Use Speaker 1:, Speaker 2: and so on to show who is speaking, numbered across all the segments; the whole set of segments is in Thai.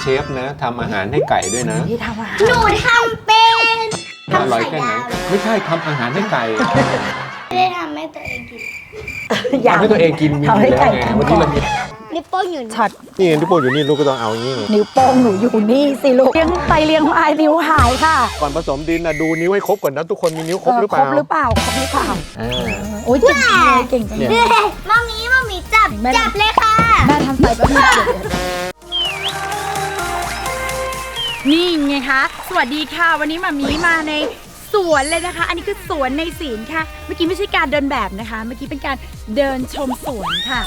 Speaker 1: ฟนะทำอาหารให้ไก่ด้วยนะ
Speaker 2: ที่ทำอาหาร
Speaker 3: หนูทำเป็น
Speaker 1: อร่อยแค่ไหนไม่ใช่ทำอาหารให้ไก่
Speaker 3: ไม่ได้ทำให้ตัวเองกิน
Speaker 1: ทำให้ตัวเองกินมีอยู่แล้วไงวันนี้เรามี
Speaker 3: นิ้วโป้งอยู่
Speaker 2: ช็อต
Speaker 1: นี่นิ้วโป้งอยู่นี่ลูกก็ต้องเอาอย่างนี้
Speaker 2: นิ้วโป้งหนูอยู่นี่สิลูกเลี้ยงไปเลี้ยงมานิ้วหายค่ะ
Speaker 1: ก่อนผสมดินนะดูนิ้วให้ครบก่อนนะทุกคนมีนิ้วครบหรือเปล่า
Speaker 2: ครบหรือเปล่าโอ้ยเก่งเลยเก่งจังเลย
Speaker 3: มามีจับเลยค่ะ
Speaker 2: แม่ทำใส่บะหมี่นี่ไงคะสวัสดีค่ะวันนี้มามีมาในสวนเลยนะคะอันนี้คือสวนในศีลค่ะเมื่อกี้ไม่ใช่การเดินแบบนะคะเมื่อกี้เป็นการเดินชมสวนค่ะ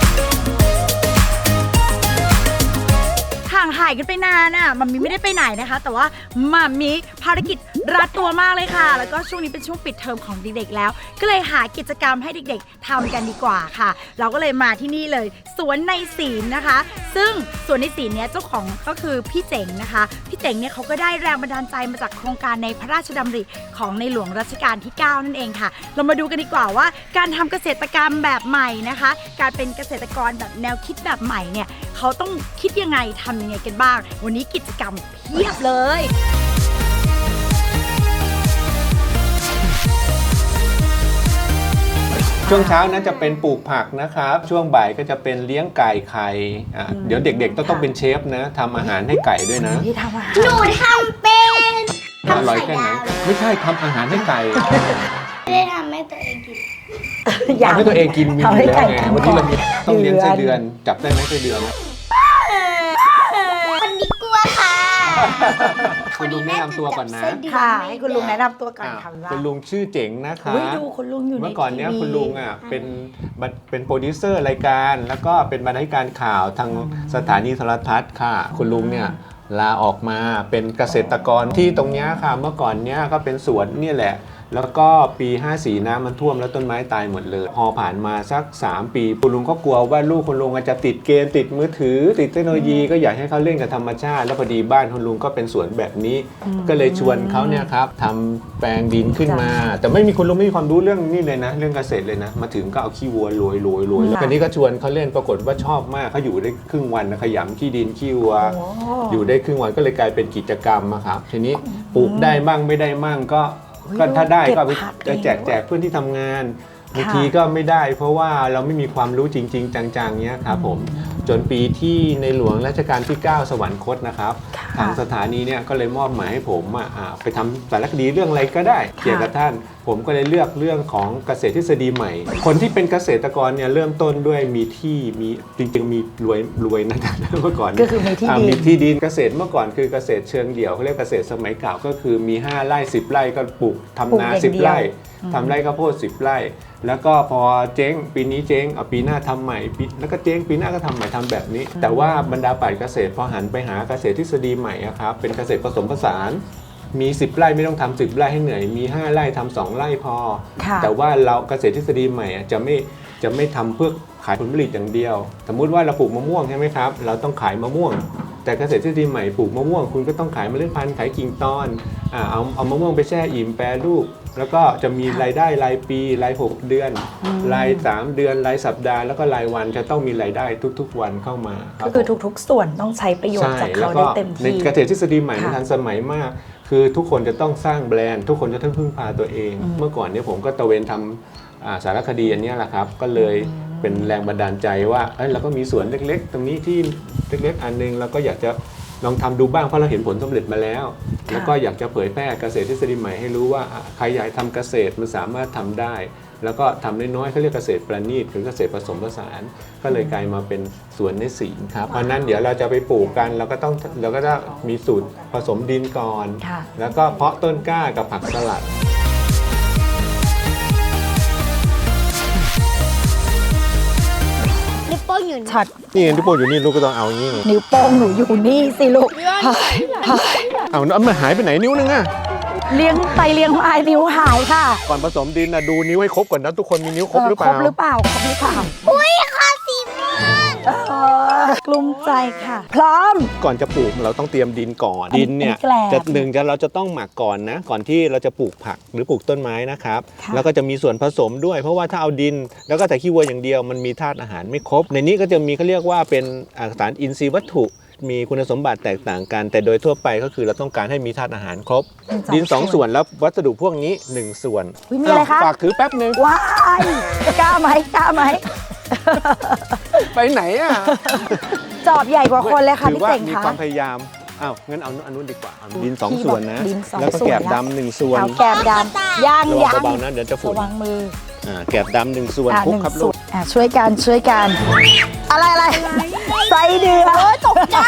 Speaker 2: ห่างหายกันไปนานอ่ะมัมมี่ไม่ได้ไปไหนนะคะแต่ว่ามัมมี่ภารกิจรัดตัวมากเลยค่ะแล้วก็ช่วงนี้เป็นช่วงปิดเทอมของเด็กๆแล้วก็เลยหากิจกรรมให้เด็กๆทำกันดีกว่าค่ะเราก็เลยมาที่นี่เลยสวนในศีลนะคะซึ่งสวนในศีลเนี้ยเจ้าของก็คือพี่เจ๋งนะคะพี่เจ๋งเนี่ยเขาก็ได้แรงบันดาลใจมาจากโครงการในพระราชดำริของในหลวงรัชกาลที่ 9นั่นเองค่ะเรามาดูกันดีกว่าว่าการทำเกษตรกรรมแบบใหม่นะคะการเป็นเกษตรกรแบบแนวคิดแบบใหม่เนี่ยเขาต้องคิดยังไงทำยังไงกันบ้างวันนี้กิจกรรมเพียบเลย
Speaker 1: ช่วงเช้านั้นจะเป็นปลูกผักนะครับช่วงบ่ายก็จะเป็นเลี้ยงไก่ไข่เดี๋ยวเด็กๆต้องเป็นเชฟนะทำอาหารให้ไก่ด้วยนะ
Speaker 2: ที่ทำอาหาร
Speaker 3: หนูทำเป็น
Speaker 1: อร่อยแค่ไหนไม่ใช่ทำอาหารให้ไก่
Speaker 3: ไม่ได้ทำให้ตัวเองกิน
Speaker 1: ทำให้ตัวเองกินมีอยู่แล้วไงวันนี้เรามีต้องเลี้ยงไส้เดือนจับได้ไหมไส้เดือน
Speaker 3: คนนี้กลัวค่ะ
Speaker 1: คุณลุงแนะนำตัวก่อนนะ
Speaker 2: ค่ะให้คุณลุงแนะนำตัวก่อนค่ะ
Speaker 1: คุณลุงชื่อเจ๋งนะคะ
Speaker 2: ดูคุณลุงอยู่ใน
Speaker 1: เมื่อก่อนเนี้ยคุณลุงเป็นโปรดิวเซอร์รายการแล้วก็เป็นบรรณาธิการข่าวทางสถานีโทรทัศน์ค่ะคุณลุงเนี่ยลาออกมาเป็นเกษตรกรที่ตรงนี้ค่ะเมื่อก่อนเนี้ยก็เป็นสวนนี่แหละแล้วก็ปี54น้ำมันท่วมแล้วต้นไม้ตายหมดเลยพอผ่านมาสัก3ปีคุณลุงก็กลัวว่าลูกคุณลุงจะติดเกมติดมือถือติดเทคโนโลยีก็อยากให้เขาเล่นกับธรรมชาติแล้วพอดีบ้านคุณลุงก็เป็นสวนแบบนี้ก็เลยชวนเขาเนี่ยครับทำแปลงดินขึ้นมาแต่ไม่มีคุณลุงไม่มีความรู้เรื่องนี่เลยนะเรื่องเกษตรเลยนะมาถึงก็เอาขี้วัวโรยแล้วคนนี้ก็ชวนเขาเล่นปรากฏว่าชอบมากเขาอยู่ได้ครึ่งวันขยำขี้ดินขี้วัวอยู่ได้ครึ่งวันก็เลยกลายเป็นกิจกรรมครับทีนี้ปลูกได้บ้างไม่ได้บ้างก็ถ้าได้ก็ไปแจกเพื่อนที่ทำงานบางทีก็ไม่ได้เพราะว่าเราไม่มีความรู้จริงๆจังๆเนี้ยครับผมจนปีที่ในหลวงรัชกาลที่ 9 สวรรคตนะครับทางสถานีเนี่ยก็เลยมอบหมายให้ผมไปทำสารคดีเรื่องอะไรก็ได้เกี่ยวกับท่านผมก็เลยเลือกเรื่องของเกษตรทฤษฎีใหม่คนที่เป็นเกษตรกรเนี่ยเริ่มต้นด้วยมีที่มีจริงๆมีรวยนะเมื่อก่อน
Speaker 2: ก็คือมี
Speaker 1: ที่ดินเกษตรเมื่อก่อนคือเกษตรเชิงเดี่ยวเขาเรียกเกษตรสมัยเก่าก็คือมี5 ไร่10 ไร่ก็ปลูกทำนา10 ไร่ทำไร่ข้าวโพด10 ไร่แล้วก็พอเจ๊งปีนี้เจ๊งเอาปีหน้าทำใหม่แล้วก็เจ๊งปีหน้าก็ทำใหม่ทำแบบนี้แต่ว่าบรรดาปราชญ์เกษตรพอหันไปหาเกษตรทฤษฎีใหม่ครับเป็นเกษตรผสมผสานมี10 ไร่ไม่ต้องทำ10 ไร่ให้เหนื่อยมี5 ไร่ทำ2 ไร่พอแต่ว่าเราเกษตรทฤษฎีใหม่จะไม่ทำเพื่อขายผลผลิตอย่างเดียวสมมุติว่าเราปลูกมะม่วงใช่ไหมครับเราต้องขายมะม่วงแต่เกษตรทฤษฎีใหม่ปลูกมะม่วงคุณก็ต้องขายเมล็ดพันธุ์ขายกิ่งตอนเอามะม่วงไปแช่อิ่มแปรรูปแล้วก็จะมีรายได้รายปีราย6 เดือนราย3 เดือนรายสัปดาห์แล้วก็รายวันจะต้องมีรายได้ทุกๆวันเข้ามา
Speaker 2: ก็คือทุกๆส่วนต้องใช้ประโยชน์จากเขาได้เต็มที่
Speaker 1: ในเกษตรทฤษฎีใหม่ทันสมัยมากคือทุกคนจะต้องสร้างแบรนด์ทุกคนจะต้องพึ่งพาตัวเองเมื่อก่อนเนี่ยผมก็ตะเวนทำสารคดีอันนี้แหละครับก็เลยเป็นแรงบันดาลใจว่าเราก็มีสวนเล็กๆตรงนี้ที่เล็กๆอันนึงเราก็อยากจะลองทำดูบ้างเพราะเราเห็นผลสำเร็จมาแล้วแล้วก็อยากจะเผยแพร่เกษตรทฤษฎีใหม่ให้รู้ว่าใครอยากทำเกษตรมันสามารถทำได้แล้วก็ทำน้อยๆเขาเรียกเกษตรประณีตหรือเกษตรผสมผสานก็เลยกลายมาเป็นสวนในศีลครับเพราะนั้นเดี๋ยวเราจะไปปลูกกันเราก็ต้องมีสูตรผสมดินก่อนแล้วก็เพาะต้นกล้ากับผักสลัด
Speaker 3: นิ้วโป้งอยู่
Speaker 2: ช็อต
Speaker 1: นี่นิ้วโป้งอยู่นี่ลูกก็ต้องเอาอย่างนี้
Speaker 2: นิ้วโป้งหนูอยู่นี่สิลูก
Speaker 1: เอามันหายไปไหนนิ้วนึงอะ
Speaker 2: เลี้ยงไปเลี้ยงมานิ้วหายค่ะ
Speaker 1: ก่อนผสมดินนะดูนิ้วให้ครบก่อนนะทุกคนมีนิ้วครบหรือเปล่า
Speaker 3: อุ้ยคอสีม่วง
Speaker 2: กลุ้มใจค่ะพร้อม
Speaker 1: ก่อนจะปลูกเราต้องเตรียมดินก่อนดินเนี่ยเราจะต้องหมักก่อนนะก่อนที่เราจะปลูกผักหรือปลูกต้นไม้นะครับแล้วก็จะมีส่วนผสมด้วยเพราะว่าถ้าเอาดินแล้วก็แต่ขี้วัวอย่างเดียวมันมีธาตุอาหารไม่ครบในนี้ก็จะมีเขาเรียกว่าเป็นสารอินทรีย์วัตถุมีคุณสมบัติแตกต่างกัน แต่โดยทั่วไปก็คือเราต้องการให้มีธาตุอาหารครบ
Speaker 2: เป็น
Speaker 1: ดิน 2 ส่วนแล้ววัสดุพวกนี้ 1 ส่วน
Speaker 2: อุ๊ยมีอะไรคะ
Speaker 1: ฝากถือแป๊บนึง
Speaker 2: ว้ายกล้าไหมกล้าไหม
Speaker 1: ไปไหนอ่ะ
Speaker 2: จอบใหญ่กว่าคนเลยค่ะ
Speaker 1: ถื
Speaker 2: พี่
Speaker 1: ว่า
Speaker 2: เต่ง
Speaker 1: มี
Speaker 2: คะ
Speaker 1: ความพยายามอ้าวงั้นเอาอันนู้นดีกว่าเอาดิน
Speaker 2: พี่
Speaker 1: 2 ส่วนนะ
Speaker 2: บอกดิน2
Speaker 1: แล้วก็
Speaker 2: ส่วน
Speaker 1: แกบ
Speaker 2: แล้ว
Speaker 1: ดำ1 ส่วน
Speaker 2: เอาแกบดำย่าง
Speaker 1: ระวั
Speaker 2: ย่าง ง
Speaker 1: เบาๆนะเดี๋ยวจะฝุ่น
Speaker 2: ระวังมือ
Speaker 1: แกบดำ1 ส่วน
Speaker 2: อ่ะ
Speaker 1: คลุก
Speaker 2: 1
Speaker 1: ครับ
Speaker 2: ส่
Speaker 1: ลู
Speaker 2: ว
Speaker 1: ก
Speaker 2: นช่วยกันอะไรไส้เดือนตกใจ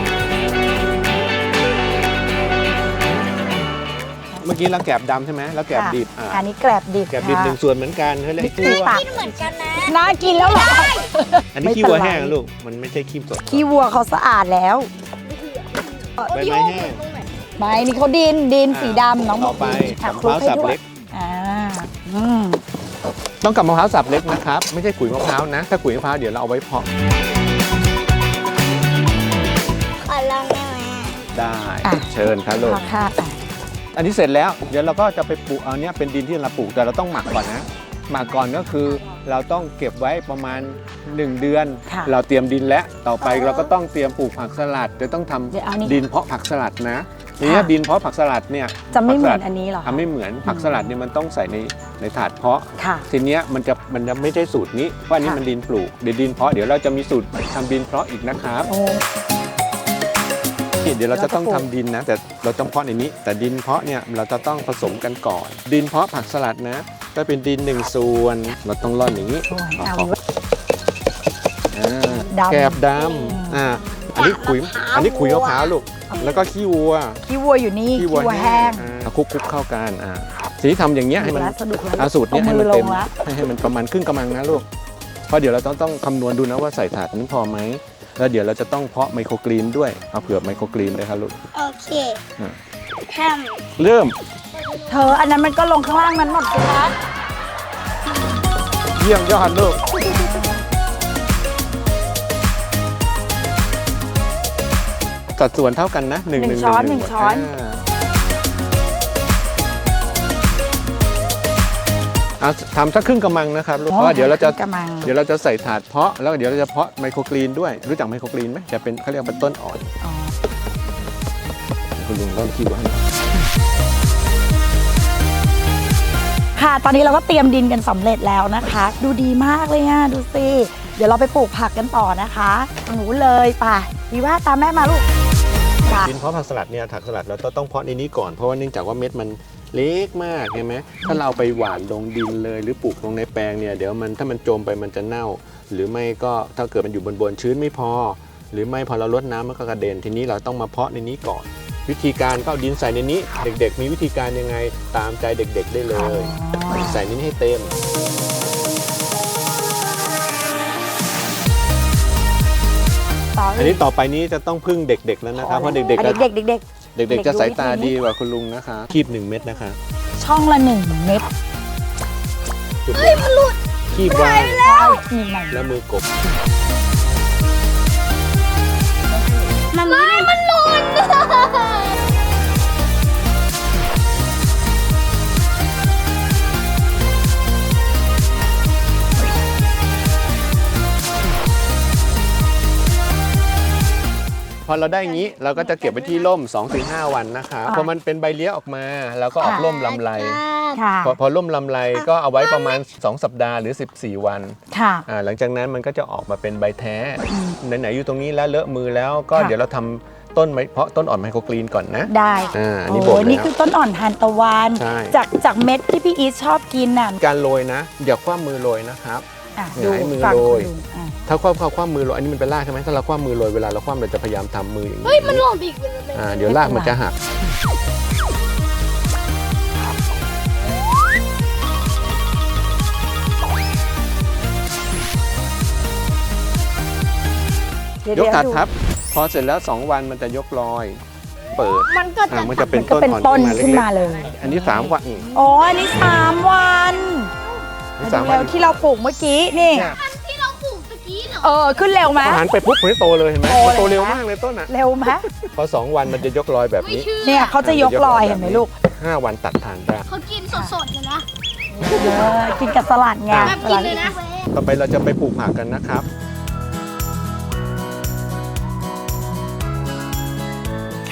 Speaker 1: เมื่อกี้เราแกบดำใช่ไหมแล้วแกบดิบ
Speaker 2: อันนี้แกลบดิบ
Speaker 1: แกบดิบ
Speaker 2: ค่ะ
Speaker 1: 1 ส่วนเหมือนกันเขาเรียก
Speaker 2: นี่
Speaker 1: ขี้
Speaker 2: คือ
Speaker 1: วัว
Speaker 2: ปาก
Speaker 3: เหมือนกันนะ
Speaker 2: น่ากินแล้วเหรอ
Speaker 1: อันนี้ขี้วัวแห้งนะลูกมันไม่ใช่ขี้สด
Speaker 2: ขี้วัวเขาสะอาดแล้ว
Speaker 1: ใบไม้แห้ง
Speaker 2: ไม่นี่เขาดินสีดำน้องบ
Speaker 1: ต่
Speaker 2: อ
Speaker 1: อก ไป
Speaker 2: อ่ะ
Speaker 1: มะพร้าวสับเล็ก
Speaker 2: อ่าอืม
Speaker 1: ต้องกับมะพร้าวสับเล็กนะครับ ไม่ใช่ขุยมะพร้าวนะ ถ้าขุยมะพร้าวเดี๋ยวเราเอาไว้เพาะ
Speaker 3: ขอลองได้ไหม
Speaker 1: ได้เชิญครับลูก
Speaker 2: ค่ะอ่ะ
Speaker 1: อันนี้เสร็จแล้วเดี๋ยวเราก็จะไปปลูกเอาเนี้ยเป็นดินที่เราปลูกแต่เราต้องหมักก่อนนะหมักก่อนก็คือเราต้องเก็บไว้ประมาณ 1 เดือน
Speaker 2: ค่ะ
Speaker 1: เราเตรียมดินแล้วต่อไปเราก็ต้องเตรียมปลูกผักสลัดจะต้องทำ
Speaker 2: เดี๋ยวเอานี่
Speaker 1: ดินเพาะผักสลัดนะทีนี้ดินเพาะผักสลัดเนี่ย
Speaker 2: จะไม่เหมือน
Speaker 1: ผักสลัด
Speaker 2: อันนี้เหรอคะ
Speaker 1: ทำไม่เหมือนผักสลัดเนี่ยมันต้องใส่ในถาดเพาะ
Speaker 2: ค่ะ
Speaker 1: ทีเนี้ยมันจะไม่ใช่สูตรนี้เพราะอันนี้
Speaker 2: ค่ะ
Speaker 1: มันดินปลูกเดี๋ยวดินเพาะเดี๋ยวเราจะมีสูตรทำดินเพาะอีกนะครับ
Speaker 2: โอ้
Speaker 1: เดี๋ยวเราจะต้องทำดินนะแต่เราต้องเพาะในนี้ แต่ดินเพาะเนี่ยเราจะต้องผสมกันก่อน ดินเพาะผักสลัดนะก็เป็นดิน1 ส่วนเราต้องร่อนอย่างนี้
Speaker 2: ส่วน
Speaker 1: เอา
Speaker 2: เอา ดำ
Speaker 1: แกบดำอันนี้ขุยมะพร้าวลูกแล้วก็ขี้วัว
Speaker 2: ขี้วัวอยู่นี่ขี้วัวแห้ง
Speaker 1: คลุกเข้ากันทีนี้ทำอย่างเงี้ยให้มัน
Speaker 2: สนุกแล้ว
Speaker 1: เอาสูตรเนี้ยให้
Speaker 2: อา
Speaker 1: มันเต็ม
Speaker 2: ลงละ
Speaker 1: ให้มันประมาณครึ่งกำมังนะลูกเพราะเดี๋ยวเราต้องคำนวณดูนะว่าใส่ถาดนั้นพอไหมแล้วเดี๋ยวเราจะต้องเพาะไมโครกรีนด้วยเอาเผื่อไมโครกรีนเลยครับลูก
Speaker 3: โอเค
Speaker 1: อ่ะ
Speaker 3: ท
Speaker 1: เริ่ม
Speaker 2: เธออันนั้นมันก็ลงข้างล่างนั้นหมดสิคะ
Speaker 1: เยี่ยมยอดลูกสัดส่วนเท่ากันนะหนึ่ง
Speaker 2: ช้อนหนึ่งช้อน
Speaker 1: เอาทำสักครึ่งกำมังนะครับลูกเพราะว่าเดี๋ยวเราจะ
Speaker 2: กระมัง
Speaker 1: ใส่ถาดเพาะแล้วเดี๋ยวเราจะเพาะไมโครกรีนด้วยรู้จักไมโครกรีนไหมจะเป็นเขาเรียกเป็นต้นอ่อน
Speaker 2: อ๋อ
Speaker 1: คุณลุงเริ่มคิดว่า
Speaker 2: ค่ะ ตอนนี้เราก็เตรียมดินกันสำเร็จแล้วนะคะ ดูดีมากเลยอ่ะดูสิเดี๋ยวเราไปปลูกผักกันต่อนะคะหนูเลยไป่ะดีว่าตามแม่มาลูกค่ะ
Speaker 1: ดินเพาะผักสลัดเนี่ยผักสลัดเราต้องเพาะในนี้ก่อนเพราะว่าเนื่องจากว่าเม็ดมันเล็กมากใช่ไหมถ้าเราไปหว่านลงดินเลยหรือปลูกลงในแปลงเนี่ยเดี๋ยวมันถ้ามันจมไปมันจะเน่า หรือไม่ก็ถ้าเกิดมันอยู่บนชื้นไม่พอ หรือไม่พอเราลดน้ำมันก็กระเด็นทีนี้เราต้องมาเพาะในนี้ก่อน วิธีการก็เอาดินใส่ในนี้ เด็กๆ มีวิธีการยังไงตามใจเด็กๆได้เลย ใส่นี้ให้เต็ม อันนี้ต่อไปนี้จะต้องพึ่งเด็กๆแล้วนะครับเพราะเด็กๆ
Speaker 2: อ่ะ
Speaker 1: จะ
Speaker 2: เด็กๆเด็ก
Speaker 1: เด็กๆจะสายตาดีกว่าคุณลุงนะคะคีบ1 เม็ดนะคะ
Speaker 2: ๆช่องละ1 เม็ด
Speaker 1: เฮ้ยมันหลุดคีบวาง
Speaker 2: นี่ใหม่
Speaker 1: แล้วมือกบ
Speaker 3: ำมันหล่น
Speaker 1: พอเราได้อย่างนี้เราก็จะเก็บไว้ที่ร่ม 2-5 วันนะคะพอมันเป็นใบเลี้ยออกมาเราก็ออกร่มลำไร
Speaker 2: ค่ะ
Speaker 1: พอร่มลำไรก็เอาไว้ประมาณ 2 สัปดาห์หรือ 14 วัน
Speaker 2: ค่ะ
Speaker 1: หลังจากนั้นมันก็จะออกมาเป็นใบแท้ไหนๆอยู่ตรงนี้แล้วเลอะมือแล้วก็
Speaker 2: ค่ะ
Speaker 1: เดี๋ยวเราทำต้นไม้เพาะต้นอ่อนไมโครกรีนก่อนนะ
Speaker 2: ได้
Speaker 1: อันนี้บ
Speaker 2: โอ้
Speaker 1: ด
Speaker 2: ยนี่
Speaker 1: แล้ว
Speaker 2: คือต้นอ่อนทานตะวัน
Speaker 1: ใช่
Speaker 2: จากเม็ดที่พี่อีทชอบกินน่ะ
Speaker 1: การโรยนะอย่าคว้ามือโรยนะครับ
Speaker 2: อ่ะ
Speaker 1: หงายมือ
Speaker 2: ฟัง
Speaker 1: โรย
Speaker 2: คุณลุงอ่ะ
Speaker 1: ถ้าคว้ามือโรยอันนี้มันเป็นรากใช่ไหมถ้าเราคว้ามือโรยเวลาเราคว้าเราจะพยายามทำมืออย่างนี้
Speaker 3: เฮ้ย มันหล่นอีกเลย
Speaker 1: เดี๋ยวรากมันจะหัก ยกถาดทับ พอเสร็จแล้ว 2 วันมันจะยกลอย เปิด
Speaker 3: มันก็จะ
Speaker 1: มันจะเป็น
Speaker 2: ก็
Speaker 1: ต้น
Speaker 2: เป็น
Speaker 1: อ่อน
Speaker 2: ต้น
Speaker 1: ขึ้
Speaker 2: ขึ้
Speaker 1: น
Speaker 2: น
Speaker 1: มา
Speaker 2: มา
Speaker 1: เล็ก
Speaker 2: เลย
Speaker 1: ๆอันนี้3 วัน
Speaker 2: อ๋ออันนี้3 วัน
Speaker 1: นี่
Speaker 2: ดู
Speaker 1: 3 วั
Speaker 2: แล้ว
Speaker 1: น
Speaker 2: ที่เราปลูกเมื่อกี้นี่
Speaker 1: เนี่ย
Speaker 3: ที่เราปลูกตะกี้เหรอ
Speaker 2: ขึ้นเร็วไหม
Speaker 1: พอหันไปปุ๊บมันโตเลยเห็นไหม
Speaker 2: โตเลย
Speaker 1: มันโตเร็ว
Speaker 2: นะ
Speaker 1: มากเลยต้นอ่ะ
Speaker 2: เร็วไหม
Speaker 1: พอ 2 วันมันจะยกลอยแบบนี้
Speaker 2: เนี่ยเขาจะยกลอยเห็นไหมลูก
Speaker 1: 5 วันตัดทานได้
Speaker 3: เขากินสดๆเลยนะ
Speaker 2: กินกับสลัดไง
Speaker 3: แบบกินเลยนะ
Speaker 1: ต่อไปเราจะไปปลูกผักกันนะครับ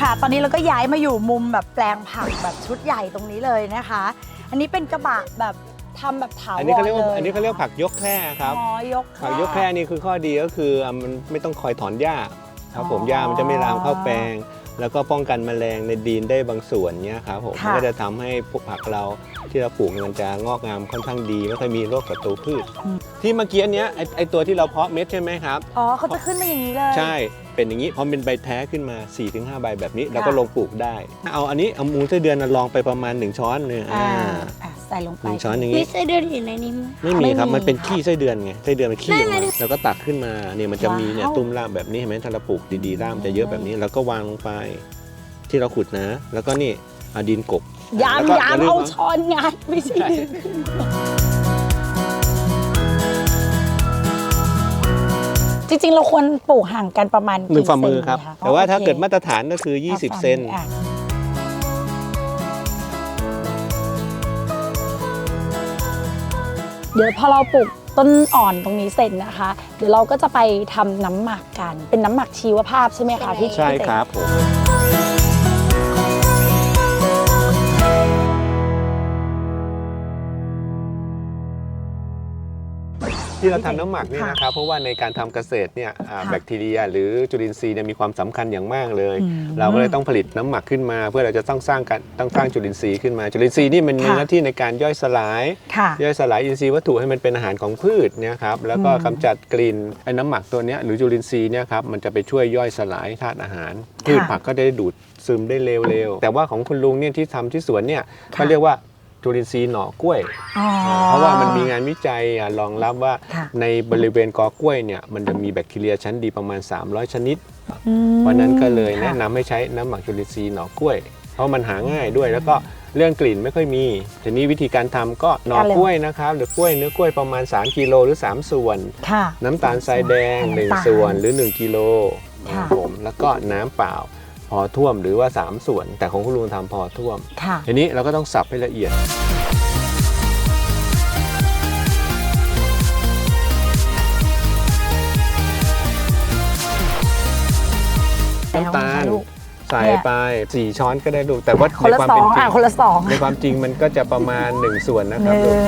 Speaker 2: ค่ะ ตอนนี้เราก็ย้ายมาอยู่มุมแบบแปลงผักแบบชุดใหญ่ตรงนี้เลยนะคะ อันนี้เป็นกระบะแบบทำแบบถาวร
Speaker 1: อันนี้เขาเรียกว่า
Speaker 2: ล
Speaker 1: อันนี้เขาเรียกผักยกแคร่ครับ
Speaker 2: อ๋อยก
Speaker 1: ผักยกแคร่นี่คือข้อดีก็คือมันไม่ต้องคอยถอนหญ้าครับผมหญ้ามันจะไม่ลามเข้าแปลง แล้วก็ป้องกันแมลงในดินได้บางส่วนเนี้ยครับผมมันก็จะทำให้พวกผักเราที่เราปลูกมันจะงอกงามค่อนข้างดีไม่ค่อยมีโรคศัตรูพืช ที่เมื่อกี้อันเนี้ยไอตัวที่เราเพาะเม็ดใช่ไหมครับ
Speaker 2: อ๋อเขาจะขึ้นมาอย่างนี้เลย
Speaker 1: ใช่เป็นอย่างนี้พอเป็นใบแท้ขึ้นมา 4-5 ใบแบบนี้เราก็ลงปลูกได้เอาอันนี้เอามูลไส้เดือนลองไปประมาณ1ช้อนหนึ่ง
Speaker 2: ใส่ลงไป
Speaker 1: 1ช้อนอย่าง
Speaker 3: มี
Speaker 1: นี้
Speaker 3: ไส้เดือนอยู่ในนี้ไหม
Speaker 1: ไม่มีครับ
Speaker 2: ไม่มี
Speaker 1: มันเป็นขี้ไส้เดือนไงไส้เดือนมันขี้ออก
Speaker 3: ได้
Speaker 1: มา
Speaker 3: ไหม
Speaker 1: แล้วก็ตักขึ้นมาเนี่ยมันจะมีเนี่ย
Speaker 2: ว้าว
Speaker 1: ตุ้มรากแบบนี้เห็นไหมถ้าเราปลูกดีๆรากมันจะเยอะแบบนี้แล้วก็วางลงไป ที่เราขุดนะ แล้วก็นี่เอาดินกบ
Speaker 2: ยาม
Speaker 1: แล้วก็
Speaker 2: ยาม
Speaker 1: ลื
Speaker 2: เอา
Speaker 1: ว่
Speaker 2: ช้อนงัดไม่ใช่ดึงจริงๆ เราควรปลูกห่างกันประมาณ
Speaker 1: 1 ฝ่ามือครับ
Speaker 2: กี่เซนดีะ
Speaker 1: แต่ว่าถ้า
Speaker 2: โอค
Speaker 1: เกิดมาตรฐานก็คือ 20 เซน
Speaker 2: อ่ะเดี๋ยวพอเราปลูกต้นอ่อนตรงนี้เสร็จนะคะ เดี๋ยวเราก็จะไปทำน้ำหมักกัน เป็นน้ำหมักชีวภาพใช่ไหมคะพี่
Speaker 1: ใช่
Speaker 2: พี่เต๋
Speaker 1: ครับผมที่เราทำน้ำหมักนี่นะครับเพราะว่าในการทำเกษตรเนี่ยแบคทีเรียหรือจุลินทรีย์เนี่ยมีความสำคัญอย่างมากเลย เราก็เลยต้องผลิตน้ำหมักขึ้นมา เพื่อเราจะต้องสร้างจุลินทรีย์ขึ้นมาจุลินทรีย์นี่มันมีหน้าที่ในการย่อยสลาย
Speaker 2: ค่ะ
Speaker 1: ย่อยสลายอินทรีย์วัตถุให้มันเป็นอาหารของพืชเนี่ยครับแล้วก็กำจัดกลิ่นไอ้น้ำหมักตัวเนี้ยหรือจุลินทรีย์เนี่ยครับมันจะไปช่วยย่อยสลายธาตุอาหาร พืชผักก็ได้ดูดซึมได้เร็วๆแต่ว่าของคุณลุงเนี่ยที่ทำที่สวนเนี่ยเขาเรียกว่าจุลินทรีย์หน่อกล้วย
Speaker 2: อ๋อ
Speaker 1: เพราะว่ามันมีงานวิจัยรองรับว่า
Speaker 2: ค่ะ
Speaker 1: ในบริเวณกอกล้วยเนี่ยมันจะมีแบคทีเรียชั้นดีประมาณ 300 ชนิด
Speaker 2: อืม
Speaker 1: เพราะนั้นก็เลยแนะ
Speaker 2: ค่ะ
Speaker 1: นำให้ใช้น้ำหมักจุลินทรีย์หน่อกล้วย เพราะมันหาง่ายด้วย แล้วก็เรื่องกลิ่นไม่ค่อยมีทีนี้วิธีการทำก็หน่อกล้วยนะครับหรือกล้วยเนื้อกล้วยประมาณ3กิโลหรือ3ส่วน
Speaker 2: ค่ะ
Speaker 1: น้ำตาลทรายแดง
Speaker 2: น้ำตาล
Speaker 1: 1ส่วนหรือ1กิโล
Speaker 2: ค่ะ
Speaker 1: ผมแล้วก็น้ำเปล่าพอท่วมหรือว่า3ส่วน แต่ของคุณลุงทำพอท่วม
Speaker 2: ค่ะ
Speaker 1: ทีนี้เราก็ต้องสับให้ละเอียดน้ำตาลใส่ไป4ช้อนก็ได้ลูกแต่ว่า
Speaker 2: คน
Speaker 1: ใน
Speaker 2: ละ
Speaker 1: ความ
Speaker 2: สอ
Speaker 1: เป็น
Speaker 2: ง
Speaker 1: จริ
Speaker 2: อ่ะ
Speaker 1: ง
Speaker 2: คนละสอง
Speaker 1: ในความจริงมันก็จะประมาณ1ส่วนนะ
Speaker 2: ห
Speaker 1: ครับ
Speaker 2: นึ่
Speaker 1: ลูก
Speaker 2: ง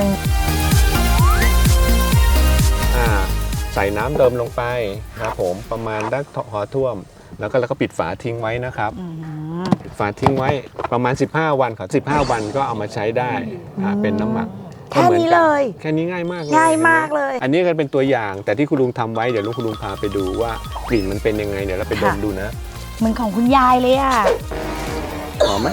Speaker 1: ใส่น้ำเดิมลงไปครับผมประมาณได้พอท่วม แล้วก็ปิดฝาทิ้งไว้นะครับ
Speaker 2: อืม
Speaker 1: ปิดฝาทิ้งไว้ประมาณ15 วันครับ15 วันก็เอามาใช้ได้เป็นน้ำหมัก
Speaker 2: แค่นี้เลย
Speaker 1: แค่นี้ง่ายมากเลย
Speaker 2: ง่ายมากเลย
Speaker 1: อันนี้ก็เป็นตัวอย่างแต่ที่คุณลุงทำไว้เดี๋ยวคุณลุงพาไปดูว่ากลิ่นมันเป็นยังไงเดี๋ยวเราไปดมดูนะ
Speaker 2: เหมือนของคุณยายเลยอ่ะ
Speaker 1: หอมไหม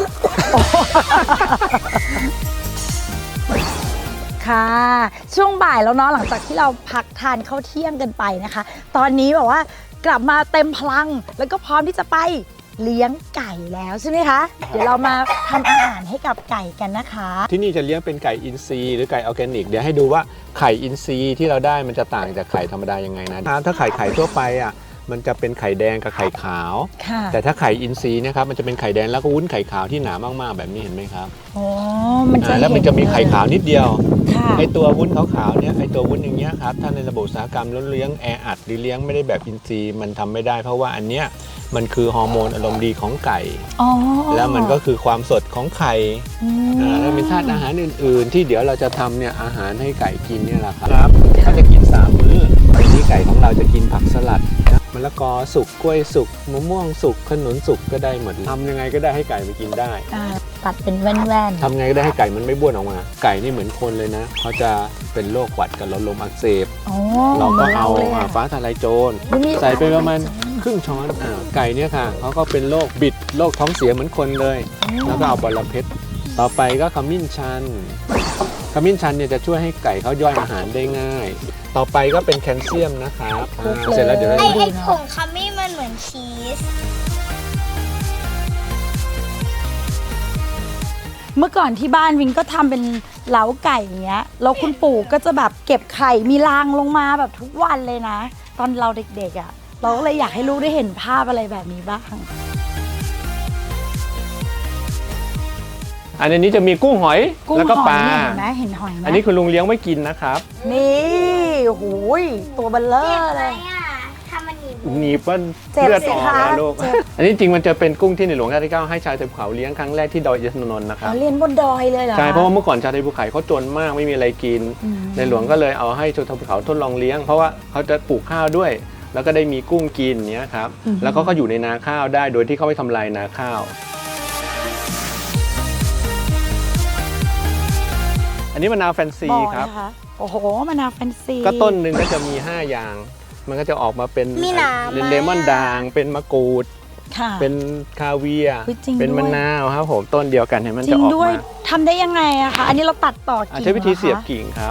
Speaker 2: ค่ะ ช่วงบ่ายแล้วเนาะหลังจากที่เราพักทานข้าวเที่ยงกันไปนะคะ ตอนนี้แบบว่ากลับมาเต็มพลังแล้วก็พร้อมที่จะไปเลี้ยงไก่แล้วใช่ไหมคะ เดี๋ยวเรามาทำอาหารให้กับไก่กันนะคะ
Speaker 1: ที่นี่จะเลี้ยงเป็นไก่อินทรีย์หรือไก่ออร์แกนิกเดี๋ยวให้ดูว่าไข่อินทรีย์ที่เราได้มันจะต่างจากไข่ธรรมดายังไงนะถ้าไข่ทั่วไปอ่ะมันจะเป็นไข่แดงกับไข่ขาว
Speaker 2: ค่ะ
Speaker 1: แต่ถ้าไข่อินทรีย์นะครับมันจะเป็นไข่แดงแล้วก็วุ้นไข่ขาวที่หนามากๆแบบนี้เห็นไหมครับ
Speaker 2: อ๋อมันจะ
Speaker 1: แล้วมันจะมีไข่ขาวนิดเดียว
Speaker 2: ค่ะ
Speaker 1: ไอตัววุ้นขาวๆเนี่ยไอตัววุ้นอย่างเงี้ยครับถ้าในระบบอุตสาหกรรมแล้วเลี้ยงแออัดหรือเลี้ยงไม่ได้แบบอินทรีย์มันทำไม่ได้เพราะว่าอันเนี้ยมันคือฮอร์โมนอารมณ์ดีของไก่
Speaker 2: อ๋อ
Speaker 1: แล้วมันก็คือความสดของไข่
Speaker 2: อืม
Speaker 1: แล้วมีธาตุอาหารอื่นๆ ที่เดี๋ยวเราจะทำเนี่ยอาหารให้ไก่กินเนี่ยแหละครับเขาจะกิน3 มื้อวันนี้ไก่ของเราจะกินผักสลัดนะมะละกอสุกกล้วยสุกมะม่วงสุกขนุนสุกก็ได้หมดทำยังไงก็ได้ให้ไก่ไปกินได้
Speaker 2: ตัดเป็นแว่น
Speaker 1: ทำไงก็ได้ให้ไก่มันไม่บ้วนออกมา ไก่นี่เหมือนคนเลยนะเขาจะเป็นโรคหวัดกับหลอดลมอักเสบ
Speaker 2: ๆอ๋อ
Speaker 1: เราก็เอา
Speaker 2: ลยะ
Speaker 1: ฟ้าทะลายโจร
Speaker 2: อุ๊ยนี่
Speaker 1: ใส่ไปประมาณครึ่งช้อนไก่เนี่ยค่ะเขาก็เป็นโรคบิดโรคท้องเสียเหมือนคนเลย แล้วก็เอาบอระเพ็ดต่อไปก็ขมิ้นชันขมิ้นชันเนี่ยจะช่วยให้ไก่เขาย่อยอาหารได้ง่าย ต่อไปก็เป็นแคลเซียมนะครับเสร็จแล้วเดี๋ยวเรา
Speaker 3: ไอ้
Speaker 1: จะ
Speaker 3: ผงขมิ้นมันเหมือนชีส
Speaker 2: เมื่อก่อนที่บ้านวินก็ทำเป็นเล้าไก่อย่างเงี้ยแล้วคุณปู่ก็จะแบบเก็บไข่มีรางลงมาแบบทุกวันเลยนะ ตอนเราเด็กๆอ่ะเราก็เลยอยากให้ลูกได้เห็นภาพอะไรแบบนี้บ้าง
Speaker 1: อันนี้จะมีกุ้งหอย
Speaker 2: กุ้ง
Speaker 1: แล้วก็
Speaker 2: ห
Speaker 1: ป
Speaker 2: อย
Speaker 1: ลา
Speaker 2: เนี่ยเห็นไหมเห็นหอยไหม
Speaker 1: อันนี้คุณลุงเลี้ยงไว้กินนะครับ
Speaker 2: นี่โอ้โหยตัวเบลเลอร์เลย
Speaker 3: ทำมัน
Speaker 1: หนีบว่า
Speaker 2: เจ็บ
Speaker 1: เลือด
Speaker 2: สิ
Speaker 1: ออก
Speaker 2: คะ
Speaker 1: แล้วลูก
Speaker 2: เจ็บ
Speaker 1: อันนี้จริงมันจะเป็นกุ้งที่ในหลวงรัชกาลที่ 9ให้ชาวไทยภูเขาเลี้ยงครั้งแรกที่ดอยอินทนนท์นะครับ
Speaker 2: เรียนบนดอยเลยเหรอ
Speaker 1: ใช่เพราะว่าเมื่อก่อนชาวไทยภูเขาเขาจนมากไม่มีอะไรกิน ในหลวงก็เลยเอาให้ชาวไทยภูเขาทดลองเลี้ยงเพราะว่าเขาจะปลูกข้าวด้วย แล้วก็ได้มีกุ้งกินเนี้ยครับแล้วก็อยู่ในนาข้าวได้โดยที่เขาไม่ทำลายนาข้าวอันนี้มะนาวแฟนซี
Speaker 2: บอก
Speaker 1: ครับ
Speaker 2: นะคะโอ้โหมะนาวแฟนซี
Speaker 1: ก็ต้นหนึ่งก็จะมี 5 อย่าง มันก็จะออกมาเป็น
Speaker 3: มีหนามไหม
Speaker 1: เลมอนด่าง เป็นมะกรูด
Speaker 2: ค่ะ
Speaker 1: เป็นคาเวียร์
Speaker 2: เฮ้ยจริง
Speaker 1: เป็น
Speaker 2: ด้วย
Speaker 1: มะนาวครับผมต้นเดียวกันเห็นมัน
Speaker 2: จริ
Speaker 1: จะ
Speaker 2: ง
Speaker 1: ออก
Speaker 2: ด้วย
Speaker 1: มา
Speaker 2: ทำได้ยังไงอะคะอันนี้เราตัดต่อกิ่ง
Speaker 1: ใช้วิธีเสียบ
Speaker 2: หรอคะ
Speaker 1: กิ่งครับ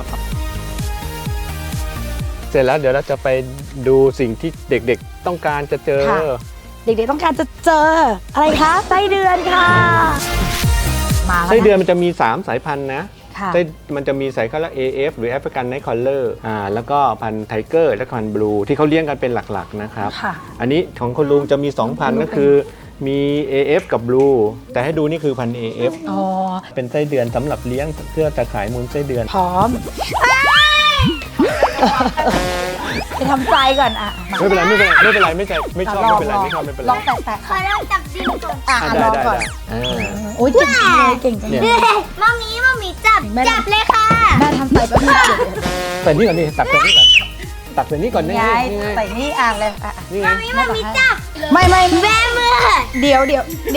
Speaker 1: เสร็จแล้วเดี๋ยวเราจะไปดูสิ่งที่เด็กๆต้องการจะเจอ
Speaker 2: เด็กๆต้องการจะเจออะไรคะไส้เดือนค่ะมาแล้ว
Speaker 1: ไส้เดือน
Speaker 2: นะ
Speaker 1: มันจะมี 3 สายพันธุ์นะ
Speaker 2: ค่ะ
Speaker 1: ไส้มันจะมีสายพันธุ์ AF หรือแอฟริกันไนท์คอลเลอร์แล้วก็พันธุ์ไทเกอร์และพันธุ์บลูที่เขาเลี้ยงกันเป็นหลักๆนะครับ
Speaker 2: ค่ะ
Speaker 1: อันนี้ของคุณลุงจะมี 2 พันธุ์ก็คือมี AF กับ Blue แต่ให้ดูนี่คือพันธุ์ AF
Speaker 2: อ๋อ
Speaker 1: เป็นไส้เดือนสำหรับเลี้ยงเพื่อจะขายมูลไส้เดือน
Speaker 2: พร้อมไปทำใจก่อนอ่ะมา
Speaker 1: ไม่เป็นไรไม่เป็นไรไม่ชอบไม่เป็นไรไม่ชอบไม่เป็นไร
Speaker 2: ลองแตะๆ
Speaker 3: ขอลองจับดินก่อน
Speaker 2: อ่ะ
Speaker 1: ได้
Speaker 2: ลอง
Speaker 1: ได้
Speaker 2: ก่อน
Speaker 1: ได้อ่า
Speaker 2: โอ้ยเก่งจังเลยเก่งจังเลย
Speaker 3: มามีจับ
Speaker 2: แม่
Speaker 3: จับเลยค่ะ
Speaker 2: แม่ทำใจแป๊บนึง
Speaker 1: ใส่นี่ก่อนนี่ตักใส่นี่ก่อนตักใส่นี่ก่อนนี่
Speaker 2: ยาย
Speaker 1: นี่ไง
Speaker 2: ใส่นี่อ่านเลยอ่ะ
Speaker 1: นี่ไง
Speaker 3: มามีจับ
Speaker 2: ไม่
Speaker 3: แม่มือ
Speaker 2: เดี๋ยว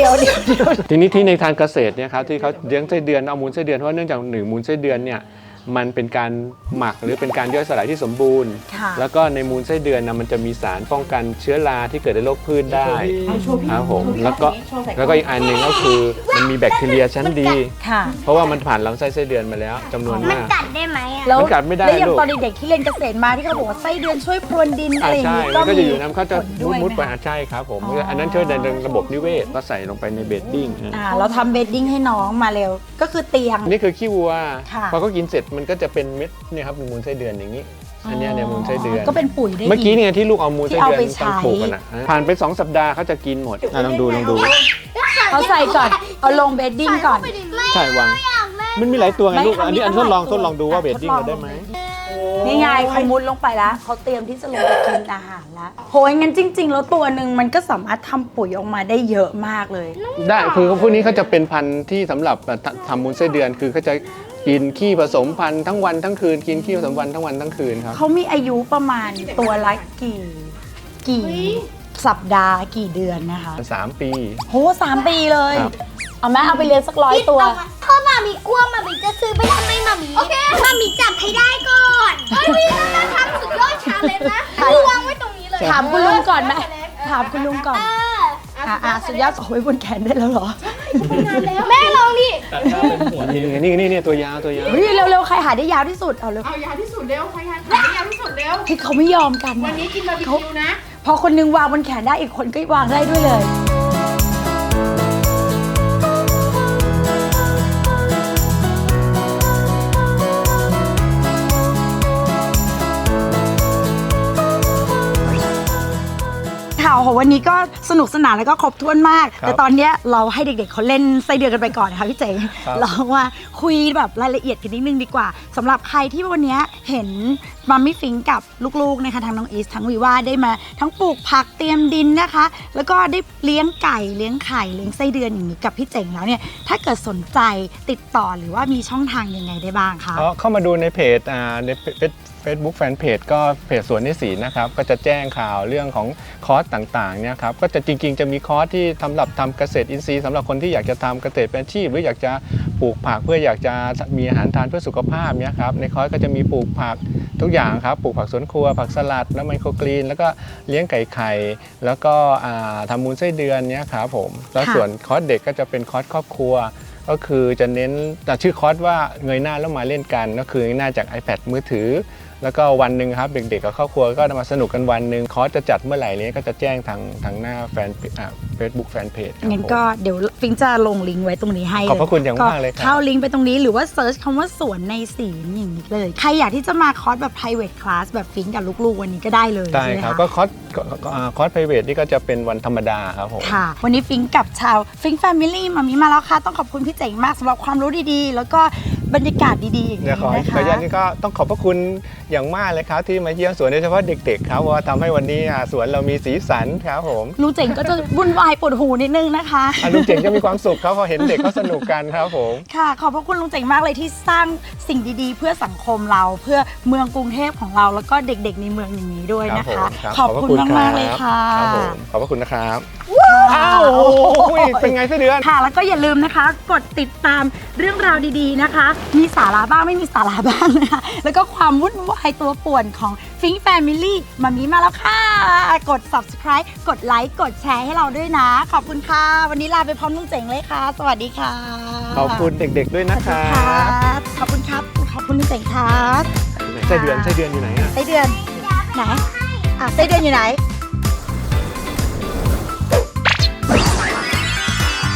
Speaker 1: ทีนี้ที่ในทางเกษตรเนี่ยครับที่เขาเลี้ยงไส้เดือนเอามูลไส้เดือนเพราะว่าเนื่องจากมูลไส้เดือนเนี่ยมันเป็นการหมักหรือเป็นการย่อยสลายที่สมบูรณ์
Speaker 2: ค่ะ
Speaker 1: แล้วก็ในมูลไส้เดือนนะมันจะมีสารป้องกันเชื้อราที่เกิดในโรคพืชได้ครับผมแล้วก็อีกอันหนึ่งก็คือมันมีแบคทีเรียชั้นดี
Speaker 2: ค่ะ
Speaker 1: เพราะว่ามันผ่านลำไส้ไส้เดือนมาแล้วจำนวน
Speaker 3: มัน
Speaker 1: มาก
Speaker 3: กัดได้ไหมอ่ะ
Speaker 2: แล้ว
Speaker 1: มันกัดไม่ได้
Speaker 2: แล้วอย่าง
Speaker 1: ลูก
Speaker 2: ตอนเด็กๆที่เรียนเกษตรมาที่เขาบอกว่าไส้เดือนช่วยพรวนดินอะไรอย่าง
Speaker 1: ใช่
Speaker 2: นี้
Speaker 1: มันก็จะอยู่น้ำเขาจะ
Speaker 2: ผลด้วย
Speaker 1: มุดไป
Speaker 2: ไหคะ
Speaker 1: ใช่ครับผม
Speaker 2: อ๋ออั
Speaker 1: อันนั้นช่วยในระบบนิเวศก็ใส่ลงไปในเบดดิ้ง
Speaker 2: เราทำเบดดิ้งให้น้องมาเร็ว ก็คือเตียง
Speaker 1: นี่คือขี้วัว
Speaker 2: ค่ะ
Speaker 1: พอเขากินเสร็จมันก็จะเป็นเม็ดเนี่ยครับมูลไส้เดือนอย่างนี้ อันเนี้ยเนี่ยมูลไส้เดือน
Speaker 2: ก็เป็นปุ๋ยได้
Speaker 1: เมื่อกี้
Speaker 2: ก
Speaker 1: เนี่ยที่ลูกเอามูลไส้เดือน
Speaker 2: ที่เอาไปใช้
Speaker 1: ตอนปลูกกันนะผ่านไป2 สัปดาห์เขาจะกินหมดลองดู
Speaker 2: เขาใส่ก่อนเอาลงเบดดิ้งก่อน
Speaker 1: ใช่วางมันมีหลายตัวไงลูก
Speaker 2: ไม่
Speaker 1: อันนี้
Speaker 2: มี
Speaker 1: อัน
Speaker 2: ตั้
Speaker 1: ท
Speaker 2: ง
Speaker 1: ด
Speaker 2: ห
Speaker 1: ล
Speaker 2: ลา
Speaker 1: อย ง
Speaker 2: ตัว
Speaker 1: ทดลองดูว่าเบดดิ้ง
Speaker 2: ทดลอง
Speaker 1: เราได้ไหม
Speaker 2: นี่ไงเขามุดลงไปแล้วเขาเตรียมที่จะลงไปกินอาหารแล้วโหยงั้นจริง ๆ แล้วตัวหนึ่งมันก็สามารถทำปุ๋ยออกมาได้เยอะมากเลย
Speaker 1: ได้คือพวกนี้เขาจะเป็นพันธุ์ที่สำหรับทำมูลไส้เดือนคือเขาจะกินขี้ผสมพันธุ์ทั้งวันทั้งคืนกินขี้ผสมพันธุ์ทั้งวันทั้งคืนครับ
Speaker 2: เขามีอายุประมาณตัวละกี่สัปดาห์กี่เดือนนะคะ
Speaker 1: 3 ปี
Speaker 2: โห3 ปีเลย
Speaker 1: ครับ
Speaker 2: เอาไหมเอาไปเลี้ยงสัก100 ตัว
Speaker 3: ถ้ามามีกลัวมามีจะซื้อไปทำไมมามีโอเคมามีจับให้ได้ก่อนเฮ้ยพี่น่าทำสุดยอดชาเลนจ์นะคือวางไว้ตรงนี้เลย
Speaker 2: ถามคุณลุงก่อนไหมถามคุณลุงก่อน
Speaker 3: เออ
Speaker 2: สุดยอดเอาไว้บนแขนได้แล้วเหรอ
Speaker 3: แม่ลองดิ
Speaker 1: นี่ตัวยาว
Speaker 2: เฮ้ยเร็วๆใครหาได้ยาวที่สุดเอาเร็ว
Speaker 4: เอายาวที่สุดเร็วใครหาได้ยาวที่สุดเร็ว
Speaker 2: ที่เขาไม่ยอมกัน
Speaker 4: วัน
Speaker 2: นะ
Speaker 4: นี้กินบาร์บีคิวนะ
Speaker 2: พอคนนึงวางบนแขนได้อีกคนก็วางได้ด้วยเลย ค่ะโอ้โหวันนี้ก็สนุกสนานแล้วก็ครบถ้วนมาก
Speaker 1: ครับ
Speaker 2: แต่ตอนเนี้ยเราให้เด็กๆเขาเล่นไส้เดือนกันไปก่อนนะคะพี่เจ๋ง
Speaker 1: ครับ
Speaker 2: เราว่าคุยแบบรายละเอียดกันนิดนึงดีกว่าสำหรับใครที่วันเนี้ยเห็นมัมมี่ฟิงกับลูกๆนะคะทั้งน้องอีสทั้งวีว่าได้มาทั้งปลูกผักเตรียมดินนะคะ แล้วก็ได้เลี้ยงไก่เลี้ยงไข่เลี้ยงไส้เดือนอย่างนี้กับพี่เจ๋งแล้วเนี่ยถ้าเกิดสนใจติดต่อหรือว่ามีช่องทางยังไงได้บ้างคะ
Speaker 1: เข้ามาดูในเพจในFacebook แฟนเพจก็เพจสวนนิสีนะครับก็จะแจ้งข่าวเรื่องของคอร์สต่างๆเนี่ยครับก็จะจริงๆจะมีคอร์สที่สำหรับทำเกษตรอินทรีย์สำหรับคนที่อยากจะทำเกษตรเป็นอาชีพหรืออยากจะปลูกผักเพื่ออยากจะมีอาหารทานเพื่อสุขภาพเนี่ยครับในคอร์สก็จะมีปลูกผักทุกอย่างครับปลูกผักสวนครัวผักสลัดแล้วไมโครกรีนแล้วก็เลี้ยงไก่ไข่แล้วก็ทำมูลไส้เดือนเนี่ยครับผมแล้วส่วนคอร์สเด็กก็จะเป็นคอร์สครอบครัวก็คือจะเน้นชื่อคอร์สว่าเงยหน้าแล้วมาเล่นกันก็คือเงยหน้าจาก iPad มือถือแล้วก็วันหนึ่งครับเด็กๆกับครอบครัวก็มาสนุกกันวันหนึ่งคอร์สจะจัดเมื่อไหร่นี้ก็จะแจ้งทางหน้าแฟนFacebook แฟนเพจครับ
Speaker 2: งั้นก็เดี๋ยวฟิงจะลงลิงก์ไว้ตรงนี้ให้
Speaker 1: ขอบพระคุณอย่างมากเลยครับ
Speaker 2: เข้าลิงก์ไปตรงนี้หรือว่าเซิร์ชคำว่าสวนในศีลอย่างนี้เลย ใครอยากที่จะมาคอร์สแบบ private class แบบฟิงกับลูกๆวันนี้ก็ได้เลย
Speaker 1: ได้
Speaker 2: ใช่ไหม
Speaker 1: ครับ
Speaker 2: คะ
Speaker 1: ก็คอร์สไพรเวทนี่ก็จะเป็นวันธรรมดาครับผม
Speaker 2: ค่ะ วันนี้ฟิงกับชาวฟิงแฟมิลี่มามีมาแล้วค่ะ ต้องขอบคุณพี่เจ๋งมากสำหรับความรู้ดีๆ แล้วก็บรรยากาศดีๆอย่าง
Speaker 1: เดี๋ยว
Speaker 2: นี้
Speaker 1: ขอ
Speaker 2: นะคะ
Speaker 1: อนุญาตนี่ก็ต้องขอบพระคุณอย่างมากเลยครับที่มาเยี่ยมสวนโดยเฉพาะเด็กๆครับเพราะว่าทำให้วันนี้สวนเรามีสีสันครับผม
Speaker 2: ลุงเจ๋งก็จะวุ่นวายปวดหูนิดนึงนะคะ
Speaker 1: ลุงเจ๋งจะมีความสุขเขาพอเห็นเด็กเขาสนุกกันครับผม
Speaker 2: ค่ะ ขอบพระคุณลุงเจ๋งมากเลยที่สร้างสิ่งดีๆ เพื่อสังคมเราเพื่อเมืองกรุงเทพของเราแล้วก็เด็กๆในเมืองอย่างนี้ด้วยนะ
Speaker 1: ครั
Speaker 2: คะ
Speaker 1: บผมครับ
Speaker 2: ขอบคุณมากๆเลยค่ะ
Speaker 1: ครับผมขอบพระคุณนะครับอ้าวโอ้ยเป็นไงไส้เดือน
Speaker 2: ค่ะแล้วก็อย่าลืมนะคะ กดติดตามเรื่องราวดีๆนะคะ มีสาระบ้างไม่มีสาระบ้างนะคะ แล้วก็ความวุ่นวายตัวป่วนของฟิงแฟมิลี่มามีมาแล้วค่ะ กด subscribe กดไลค์กดแชร์ให้เราด้วยนะ ขอบคุณค่ะ วันนี้ลาไปพร้อมลุงเจ๋งเลยค่ะ สวัสดีค่ะ
Speaker 1: ขอบคุณเด็กๆด้วยนะครั
Speaker 2: ค่ะ
Speaker 1: บ
Speaker 2: ขอบคุณครับ ขอบคุณลุงเจ๋งครับ
Speaker 1: ไส้เดือนอยู่ไหนอะ
Speaker 2: ไส้เดือนไหนไส้เดือนอยู่ไหน